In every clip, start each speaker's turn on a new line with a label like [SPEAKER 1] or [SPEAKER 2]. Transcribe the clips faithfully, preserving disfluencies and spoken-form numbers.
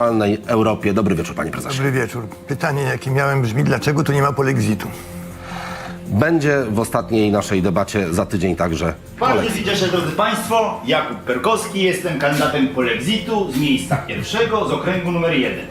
[SPEAKER 1] Europie. Dobry wieczór, panie prezesie.
[SPEAKER 2] Dobry wieczór. Pytanie, jakie miałem, brzmi, dlaczego tu nie ma polexitu?
[SPEAKER 1] Będzie w ostatniej naszej debacie za tydzień także.
[SPEAKER 3] Bardzo się cieszę, drodzy państwo. Jakub Perkowski, jestem kandydatem polexitu z miejsca pierwszego, z okręgu numer jeden.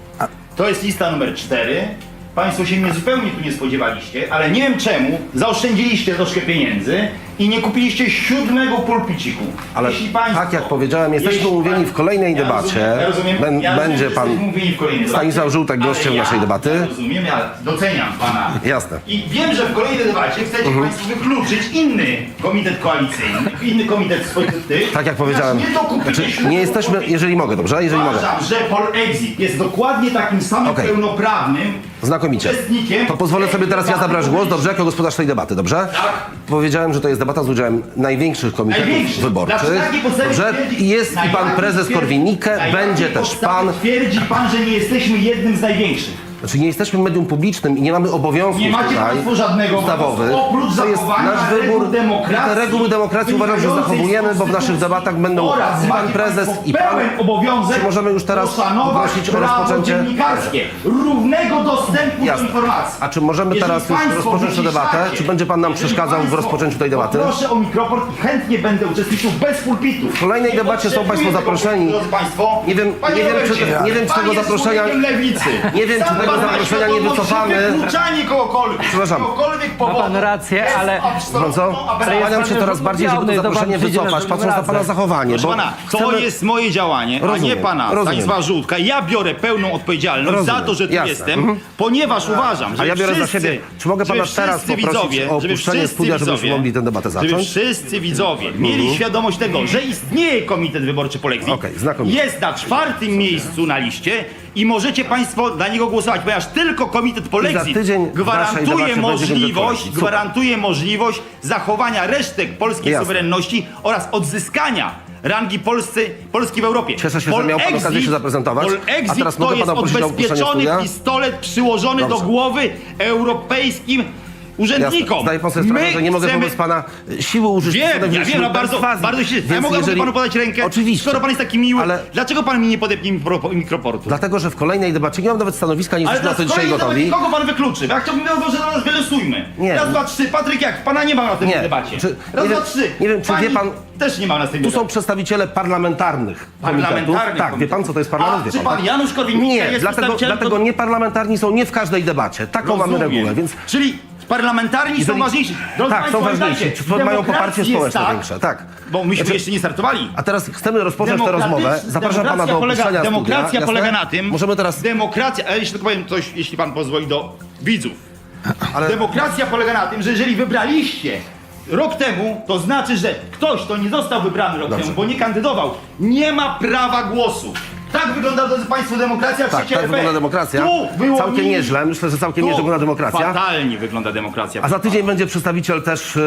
[SPEAKER 3] To jest lista numer cztery. Państwo się mnie zupełnie tu nie spodziewaliście, ale nie wiem czemu zaoszczędziliście troszkę pieniędzy i nie kupiliście siódmego pulpiciku.
[SPEAKER 1] Ale
[SPEAKER 3] Jeśli państwo,
[SPEAKER 1] tak jak powiedziałem, jesteśmy
[SPEAKER 3] jeśli
[SPEAKER 1] umówieni
[SPEAKER 3] pan-
[SPEAKER 1] w kolejnej
[SPEAKER 3] ja
[SPEAKER 1] debacie.
[SPEAKER 3] Rozumiem, ja rozumiem,
[SPEAKER 1] Bę-
[SPEAKER 3] ja rozumiem,
[SPEAKER 1] będzie
[SPEAKER 3] że
[SPEAKER 1] pan
[SPEAKER 3] jesteśmy umówieni w kolejnej
[SPEAKER 1] Stanisław
[SPEAKER 3] debacie,
[SPEAKER 1] Żółtek
[SPEAKER 3] ale
[SPEAKER 1] gościem
[SPEAKER 3] ja,
[SPEAKER 1] naszej debaty.
[SPEAKER 3] Ja rozumiem, ja doceniam pana.
[SPEAKER 1] Jasne.
[SPEAKER 3] I wiem, że w kolejnej debacie chcecie państwo wykluczyć inny komitet koalicyjny, inny komitet swoich tych.
[SPEAKER 1] Tak jak powiedziałem,
[SPEAKER 3] Nie, dokupicie
[SPEAKER 1] znaczy,
[SPEAKER 3] siódmego
[SPEAKER 1] nie jesteśmy,
[SPEAKER 3] pulpitu.
[SPEAKER 1] jeżeli mogę, dobrze? Jeżeli mogę.
[SPEAKER 3] Uważam, że Polexit jest dokładnie takim samym
[SPEAKER 1] Okej.
[SPEAKER 3] pełnoprawnym
[SPEAKER 1] Znakomicie.
[SPEAKER 3] uczestnikiem.
[SPEAKER 1] To pozwolę sobie teraz ja zabrać głos, dobrze, jako gospodarz tej debaty, dobrze?
[SPEAKER 3] Tak.
[SPEAKER 1] Powiedziałem, że to jest debata z udziałem największych komitetów
[SPEAKER 3] Największy.
[SPEAKER 1] wyborczych.
[SPEAKER 3] Znaczy, takiej podstawie
[SPEAKER 1] Dobrze?
[SPEAKER 3] twierdzi-
[SPEAKER 1] I jest
[SPEAKER 3] na
[SPEAKER 1] i pan
[SPEAKER 3] jakiej
[SPEAKER 1] prezes
[SPEAKER 3] twierdzi-
[SPEAKER 1] Korwin-Mikke,
[SPEAKER 3] na
[SPEAKER 1] będzie
[SPEAKER 3] jakiej
[SPEAKER 1] też
[SPEAKER 3] podstawie
[SPEAKER 1] pan.
[SPEAKER 3] Twierdzi pan, że nie jesteśmy jednym z największych.
[SPEAKER 1] Znaczy nie jesteśmy medium publicznym i nie mamy obowiązków
[SPEAKER 3] Nie macie
[SPEAKER 1] tutaj
[SPEAKER 3] państwo żadnego
[SPEAKER 1] ustawowych.
[SPEAKER 3] obowiązku, oprócz
[SPEAKER 1] To jest
[SPEAKER 3] zachowania
[SPEAKER 1] nasz
[SPEAKER 3] reguł
[SPEAKER 1] wybór.
[SPEAKER 3] demokracji,
[SPEAKER 1] Te reguły demokracji uważam, że
[SPEAKER 3] wynikającej z
[SPEAKER 1] zachowujemy, bo w naszych
[SPEAKER 3] konstytucji
[SPEAKER 1] debatach będą
[SPEAKER 3] oraz
[SPEAKER 1] pan
[SPEAKER 3] macie
[SPEAKER 1] prezes
[SPEAKER 3] państwo
[SPEAKER 1] i pan.
[SPEAKER 3] pełen obowiązek
[SPEAKER 1] Czy możemy już teraz
[SPEAKER 3] poszanować
[SPEAKER 1] poprosić o
[SPEAKER 3] prawo
[SPEAKER 1] rozpoczęcie?
[SPEAKER 3] dziennikarskie, równego dostępu
[SPEAKER 1] Jasne.
[SPEAKER 3] do informacji.
[SPEAKER 1] A czy możemy
[SPEAKER 3] Jeżeli
[SPEAKER 1] teraz już
[SPEAKER 3] państwo
[SPEAKER 1] rozpocząć tę debatę?
[SPEAKER 3] wyciszacie,
[SPEAKER 1] Czy będzie pan nam
[SPEAKER 3] jeżeli
[SPEAKER 1] przeszkadzał w
[SPEAKER 3] państwo-
[SPEAKER 1] rozpoczęciu tej debaty?
[SPEAKER 3] Proszę o mikrofon i chętnie będę uczestniczył bez pulpitu.
[SPEAKER 1] W kolejnej
[SPEAKER 3] Nie
[SPEAKER 1] debacie są
[SPEAKER 3] potrzebuję
[SPEAKER 1] państwo
[SPEAKER 3] tego
[SPEAKER 1] zaproszeni.
[SPEAKER 3] pulpitu, drodzy państwo.
[SPEAKER 1] Nie wiem-
[SPEAKER 3] Panie
[SPEAKER 1] nie wiem, czy-
[SPEAKER 3] Robercie,
[SPEAKER 1] nie wiem, czy
[SPEAKER 3] pan
[SPEAKER 1] tego
[SPEAKER 3] jest
[SPEAKER 1] zaproszenia-
[SPEAKER 3] człowiekiem lewicy.
[SPEAKER 1] Nie wiem, czy
[SPEAKER 3] Sam
[SPEAKER 1] tego
[SPEAKER 3] pan ma
[SPEAKER 1] zaproszenia nie
[SPEAKER 3] świadomość,
[SPEAKER 1] wycofamy.
[SPEAKER 3] że wykluczanie kogokolwiek z
[SPEAKER 1] Przepraszam.
[SPEAKER 3] jakiegokolwiek powodu
[SPEAKER 4] pan rację,
[SPEAKER 3] jest
[SPEAKER 4] ale-
[SPEAKER 3] absolutną
[SPEAKER 1] Co?
[SPEAKER 3] aberracją.
[SPEAKER 1] Skłaniam się coraz bardziej, żeby to
[SPEAKER 4] odmówiony, to
[SPEAKER 1] zaproszenie
[SPEAKER 4] pan przyjdzie
[SPEAKER 1] wycofać,
[SPEAKER 4] na
[SPEAKER 1] patrząc na pana
[SPEAKER 4] razem.
[SPEAKER 1] zachowanie.
[SPEAKER 3] Proszę
[SPEAKER 1] Bo
[SPEAKER 3] pana, to
[SPEAKER 1] chcemy...
[SPEAKER 3] jest moje działanie, a
[SPEAKER 1] Rozumiem,
[SPEAKER 3] nie pana
[SPEAKER 1] rozumiem.
[SPEAKER 3] Stanisława Żółtka. Ja biorę pełną odpowiedzialność
[SPEAKER 1] Rozumiem,
[SPEAKER 3] za to, że tu
[SPEAKER 1] jasne.
[SPEAKER 3] jestem,
[SPEAKER 1] Mhm.
[SPEAKER 3] ponieważ uważam, że
[SPEAKER 1] A ja biorę za
[SPEAKER 3] wszyscy,
[SPEAKER 1] siebie. Czy mogę pana
[SPEAKER 3] żeby
[SPEAKER 1] teraz
[SPEAKER 3] wszyscy
[SPEAKER 1] poprosić
[SPEAKER 3] widzowie,
[SPEAKER 1] o
[SPEAKER 3] żeby
[SPEAKER 1] opuszczenie
[SPEAKER 3] wszyscy
[SPEAKER 1] studia, żebyśmy
[SPEAKER 3] widzowie,
[SPEAKER 1] mogli tę debatę
[SPEAKER 3] Żeby
[SPEAKER 1] zacząć?
[SPEAKER 3] wszyscy widzowie mieli świadomość tego, że istnieje Komitet Wyborczy Polexit,
[SPEAKER 1] Okej, znakomicie.
[SPEAKER 3] jest na czwartym miejscu na liście i możecie państwo dla niego głosować, ponieważ tylko Komitet Polexit
[SPEAKER 1] tydzień w naszej debacie
[SPEAKER 3] gwarantuje
[SPEAKER 1] będzie
[SPEAKER 3] możliwość,
[SPEAKER 1] Super.
[SPEAKER 3] gwarantuje możliwość zachowania resztek polskiej
[SPEAKER 1] Jasne.
[SPEAKER 3] suwerenności oraz odzyskania rangi Polscy, Polski w Europie.
[SPEAKER 1] Cieszę się, że miał pan okazję się zaprezentować.
[SPEAKER 3] Polexit
[SPEAKER 1] A teraz mogę
[SPEAKER 3] to jest
[SPEAKER 1] pana prosić o opuszczenie
[SPEAKER 3] odbezpieczony
[SPEAKER 1] studia?
[SPEAKER 3] pistolet przyłożony
[SPEAKER 1] Dobrze.
[SPEAKER 3] do głowy europejskim urzędnikom.
[SPEAKER 1] Jasne. Zdaję pan sobie sprawę,
[SPEAKER 3] My
[SPEAKER 1] że nie mogę
[SPEAKER 3] chcemy...
[SPEAKER 1] wobec pana siły użyć.
[SPEAKER 3] Wiem, ja
[SPEAKER 1] wstępnych
[SPEAKER 3] wiem, no
[SPEAKER 1] bez
[SPEAKER 3] bardzo,
[SPEAKER 1] fazy.
[SPEAKER 3] bardzo się...
[SPEAKER 1] Więc
[SPEAKER 3] Ja mogę
[SPEAKER 1] jeżeli-
[SPEAKER 3] panu podać rękę?
[SPEAKER 1] Oczywiście.
[SPEAKER 3] Skoro pan jest taki miły,
[SPEAKER 1] Ale-
[SPEAKER 3] dlaczego pan mi nie podepnie mikro- mikroportu?
[SPEAKER 1] Dlatego, że w kolejnej debacie nie mam nawet stanowiska, nie
[SPEAKER 3] Ale
[SPEAKER 1] jesteśmy na to
[SPEAKER 3] dla
[SPEAKER 1] dzisiaj
[SPEAKER 3] swojej
[SPEAKER 1] gotowi.
[SPEAKER 3] debaty kogo pan wykluczy? Ja chciałbym, że teraz wylosujmy.
[SPEAKER 1] Nie.
[SPEAKER 3] Raz, dwa, trzy. Patryk, jak? Pana nie ma na tej
[SPEAKER 1] Nie.
[SPEAKER 3] debacie.
[SPEAKER 1] Czy-
[SPEAKER 3] Raz,
[SPEAKER 1] nie
[SPEAKER 3] dwa,
[SPEAKER 1] wiem-
[SPEAKER 3] trzy.
[SPEAKER 1] nie wiem, czy
[SPEAKER 3] Pani
[SPEAKER 1] wie pan-
[SPEAKER 3] też nie ma na tej
[SPEAKER 1] Tu są
[SPEAKER 3] debacie.
[SPEAKER 1] przedstawiciele parlamentarnych komitetów.
[SPEAKER 3] Parlamentarnych
[SPEAKER 1] Tak, wie pan, co to jest parlament?
[SPEAKER 3] A
[SPEAKER 1] Wie
[SPEAKER 3] czy pan
[SPEAKER 1] tak?
[SPEAKER 3] Janusz Korwin-Mikke
[SPEAKER 1] Nie,
[SPEAKER 3] jest
[SPEAKER 1] dlatego,
[SPEAKER 3] przedstawicielem...
[SPEAKER 1] dlatego nieparlamentarni są nie w każdej debacie. Taką mamy
[SPEAKER 3] Rozumiem.
[SPEAKER 1] regułę, więc...
[SPEAKER 3] Czyli parlamentarni są
[SPEAKER 1] Jeżeli-
[SPEAKER 3] ważniejsi. Drodzy
[SPEAKER 1] Tak,
[SPEAKER 3] państwo,
[SPEAKER 1] są ważniejsi.
[SPEAKER 3] pamiętajcie,
[SPEAKER 1] Czy mają
[SPEAKER 3] demokracji
[SPEAKER 1] poparcie
[SPEAKER 3] jest
[SPEAKER 1] społeczne
[SPEAKER 3] tak,
[SPEAKER 1] większe, tak.
[SPEAKER 3] Bo myśmy
[SPEAKER 1] Znaczy-
[SPEAKER 3] jeszcze nie startowali.
[SPEAKER 1] A teraz chcemy rozpocząć tę
[SPEAKER 3] Demokratycz-
[SPEAKER 1] rozmowę. Zapraszam pana do
[SPEAKER 3] demokracja polega,
[SPEAKER 1] opuszczenia
[SPEAKER 3] Demokracja
[SPEAKER 1] studia.
[SPEAKER 3] polega
[SPEAKER 1] Jasne?
[SPEAKER 3] na tym...
[SPEAKER 1] Możemy teraz...
[SPEAKER 3] Demokracja... Ale jeśli tylko powiem coś, jeśli pan pozwoli, do widzów.
[SPEAKER 1] Ale...
[SPEAKER 3] Demokracja polega na tym, że jeżeli wybraliście rok temu, to znaczy, że ktoś, kto nie został wybrany rok
[SPEAKER 1] Dobrze.
[SPEAKER 3] temu, bo nie kandydował, nie ma prawa głosu. Tak wygląda, drodzy państwo, demokracja w
[SPEAKER 1] Tak,
[SPEAKER 3] świecie
[SPEAKER 1] tak
[SPEAKER 3] R P.
[SPEAKER 1] wygląda demokracja.
[SPEAKER 3] Tu wyłonili-
[SPEAKER 1] Całkiem nieźle. Myślę, że całkiem
[SPEAKER 3] Tu
[SPEAKER 1] nieźle wygląda demokracja.
[SPEAKER 3] fatalnie wygląda demokracja.
[SPEAKER 1] A za tydzień będzie przedstawiciel też, e,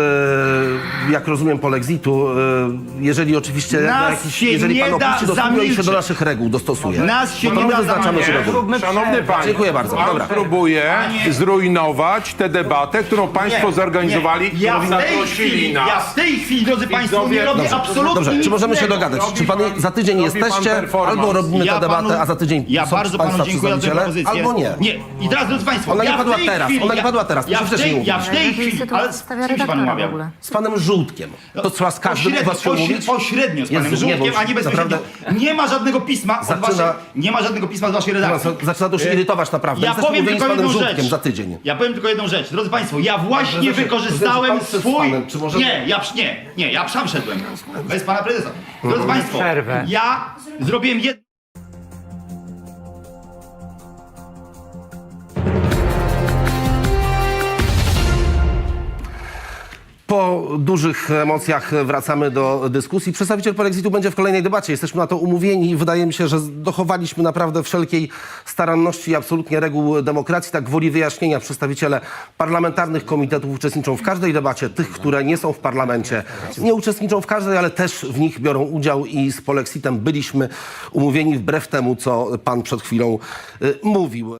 [SPEAKER 1] jak rozumiem, Polexitu. E, jeżeli oczywiście,
[SPEAKER 3] Nas
[SPEAKER 1] na jakiś,
[SPEAKER 3] się
[SPEAKER 1] jeżeli
[SPEAKER 3] nie
[SPEAKER 1] pan
[SPEAKER 3] da
[SPEAKER 1] opuści do studia i się
[SPEAKER 3] zamilczyć.
[SPEAKER 1] do naszych reguł dostosuje.
[SPEAKER 3] Nas się
[SPEAKER 1] to
[SPEAKER 3] nie
[SPEAKER 1] my
[SPEAKER 3] da
[SPEAKER 1] wyznaczamy
[SPEAKER 3] zamilczyć.
[SPEAKER 1] się reguły.
[SPEAKER 4] Zróbmy
[SPEAKER 5] Szanowny
[SPEAKER 4] przerwę.
[SPEAKER 5] panie,
[SPEAKER 1] Dziękuję bardzo.
[SPEAKER 5] pan
[SPEAKER 1] Dobra.
[SPEAKER 5] próbuje
[SPEAKER 3] Panie-
[SPEAKER 5] zrujnować tę debatę, którą państwo
[SPEAKER 3] Nie,
[SPEAKER 5] zorganizowali,
[SPEAKER 3] nie. Ja
[SPEAKER 5] którą
[SPEAKER 3] w tej
[SPEAKER 5] zaprosili
[SPEAKER 3] chwili,
[SPEAKER 5] nas.
[SPEAKER 3] ja w tej chwili, drodzy państwo, nie
[SPEAKER 5] Widzowie-
[SPEAKER 3] robię
[SPEAKER 5] Dobrze,
[SPEAKER 3] absolutnie
[SPEAKER 1] Dobrze,
[SPEAKER 3] nic
[SPEAKER 1] czy możemy się
[SPEAKER 3] innego.
[SPEAKER 1] dogadać?
[SPEAKER 5] Robi
[SPEAKER 1] Czy pan
[SPEAKER 5] pan-
[SPEAKER 1] za tydzień
[SPEAKER 5] robi pan
[SPEAKER 1] jesteście,
[SPEAKER 5] performance.
[SPEAKER 1] albo robimy
[SPEAKER 3] Ja
[SPEAKER 1] tę debatę,
[SPEAKER 3] panu-
[SPEAKER 1] a za tydzień
[SPEAKER 3] Ja
[SPEAKER 1] są
[SPEAKER 3] bardzo
[SPEAKER 1] państwa
[SPEAKER 3] panu dziękuję za tę
[SPEAKER 1] przedstawiciele,
[SPEAKER 3] propozycję.
[SPEAKER 1] albo nie.
[SPEAKER 3] Nie. I teraz, drodzy państwo,
[SPEAKER 1] Ona nie
[SPEAKER 3] ja w
[SPEAKER 1] padła
[SPEAKER 3] tej
[SPEAKER 1] teraz,
[SPEAKER 3] chwili,
[SPEAKER 1] ona nie
[SPEAKER 3] ja-
[SPEAKER 1] padła teraz,
[SPEAKER 3] Ja
[SPEAKER 1] proszę
[SPEAKER 3] w
[SPEAKER 1] wcześniej
[SPEAKER 3] tej, ja w
[SPEAKER 1] mówić.
[SPEAKER 3] tej
[SPEAKER 6] Jakiej
[SPEAKER 3] chwili, ale
[SPEAKER 6] sytuacji
[SPEAKER 3] z
[SPEAKER 6] stawia
[SPEAKER 3] kim się pan
[SPEAKER 6] redaktora w
[SPEAKER 3] umawiał?
[SPEAKER 6] ogóle?
[SPEAKER 1] Z panem Żółtkiem. To co, z każdym z was się
[SPEAKER 3] Pośrednio,
[SPEAKER 1] umówić?
[SPEAKER 3] pośrednio z panem
[SPEAKER 1] Jezu, nie, bo
[SPEAKER 3] Żółkiem, a nie
[SPEAKER 1] już
[SPEAKER 3] bezpośrednio. Nie ma żadnego pisma od
[SPEAKER 1] Zaczyna-
[SPEAKER 3] waszej, nie ma żadnego pisma z waszej redakcji.
[SPEAKER 1] Zaczyna to już irytować naprawdę.
[SPEAKER 3] Ja
[SPEAKER 1] Jesteśmy
[SPEAKER 3] powiem
[SPEAKER 1] umówieni z
[SPEAKER 3] tylko
[SPEAKER 1] panem
[SPEAKER 3] jedną
[SPEAKER 1] Żółtkiem
[SPEAKER 3] rzecz.
[SPEAKER 1] za tydzień.
[SPEAKER 3] Ja powiem tylko jedną rzecz. Drodzy państwo, ja właśnie
[SPEAKER 1] Prezesie,
[SPEAKER 3] wykorzystałem
[SPEAKER 1] prezesie, pan przed
[SPEAKER 3] swój...
[SPEAKER 1] panem, czy możemy-
[SPEAKER 3] Nie, ja przy- nie, nie, ja sam szedłem. Bez pana prezesa. Drodzy państwo,
[SPEAKER 4] Przerwę.
[SPEAKER 3] ja zrobiłem jedno...
[SPEAKER 1] Po dużych emocjach wracamy do dyskusji. Przedstawiciel Polexitu będzie w kolejnej debacie. Jesteśmy na to umówieni i wydaje mi się, że dochowaliśmy naprawdę wszelkiej staranności i absolutnie reguł demokracji. Tak gwoli wyjaśnienia, przedstawiciele parlamentarnych komitetów uczestniczą w każdej debacie. Tych, które nie są w parlamencie, nie uczestniczą w każdej, ale też w nich biorą udział i z Polexitem byliśmy umówieni wbrew temu, co pan przed chwilą y, mówił.